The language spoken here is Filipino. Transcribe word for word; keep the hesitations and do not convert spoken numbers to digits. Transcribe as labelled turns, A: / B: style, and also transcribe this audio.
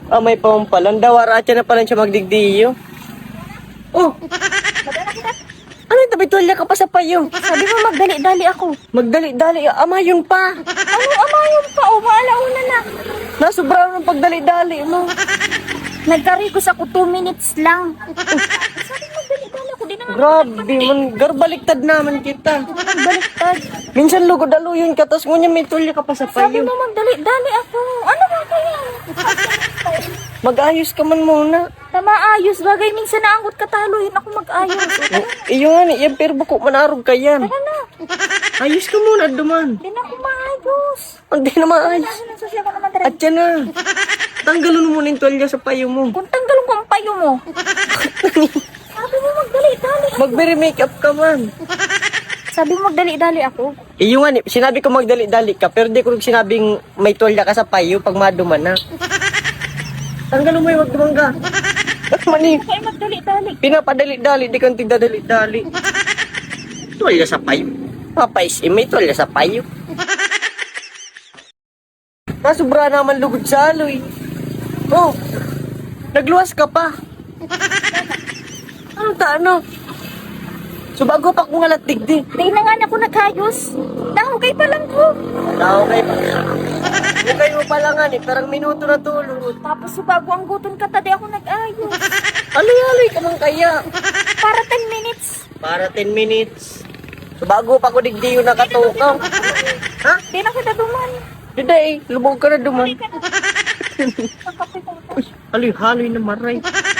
A: Ah, may pampalan. Dawaratya na pala siya magdigdiyo. Oh,
B: Madala kita.
A: ano yung tabi tulya ka pa sa payo?
B: Sabi mo magdali-dali ako.
A: Magdali-dali, ama yun pa.
B: Ano amayong pa? O, maalauna na.
A: Nasubra ng pagdali-dali mo.
B: Nagkarikos ako two minutes lang. Sabi mo magdali-dali ako. Di na nga
A: Grabe, man, garbaliktad naman kita.
B: nagbaliktad.
A: Minsan lugod aluyon ka, tapos ngunya may tulya ka pa sa
B: Sabi
A: payo.
B: mo magdali-dali ako. Ano ba kaya?
A: Mag-ayos ka man muna.
B: Tama ayos. Bagay minsan naanggot katalo. Yun ako mag-ayos.
A: Oh, iyo nga ni, yung pero buko manarog ka yan.
B: Tara na.
A: Ayos ka muna, duman.
B: Di na ako maayos.
A: Hindi na maayos.
B: Ano nang susya ko naman tara.
A: At yan na. Tanggalon mo muna yung tulya sa payo mo.
B: Kung tanggalon ko ang payo mo. Sabi mo magdali-dali.
A: Mag-make up ka man.
B: Sabi mo magdali-dali ako.
A: Iyo nga ni, sinabi ko magdali-dali ka, pero di ko sinabing may tulya ka sa payo pag maduman na. Tanggalon mo yung magdumang ka. Mani,
B: Kaya magdali-dali.
A: pinapadali-dali, di kang tigdadali-dali. Tulya sa payo. Papais, eh, may tulya sa payo. Nasubra naman lugod sa aloy. Oh, nagluwas ka pa. Ano ta, ano? So bago pa kong alat digdi.
B: Di na nga na ako nagayos. Nahugay pa lang ko.
A: Tao kay pa. Hukay mo pa lang eh, parang minuto na tulog.
B: Tapos so bago ang guton ka, tadi ako nag-ayos.
A: Aloy-aloy ka man kaya.
B: Para ten minutes.
A: Para ten minutes. So bago pa ko digdi yung nakatukaw. Ha?
B: Di na kita duman.
A: Hindi eh, lubog ka na duman.
B: Di ka na. Ang kape ko.
A: Aloy-haloy na maray.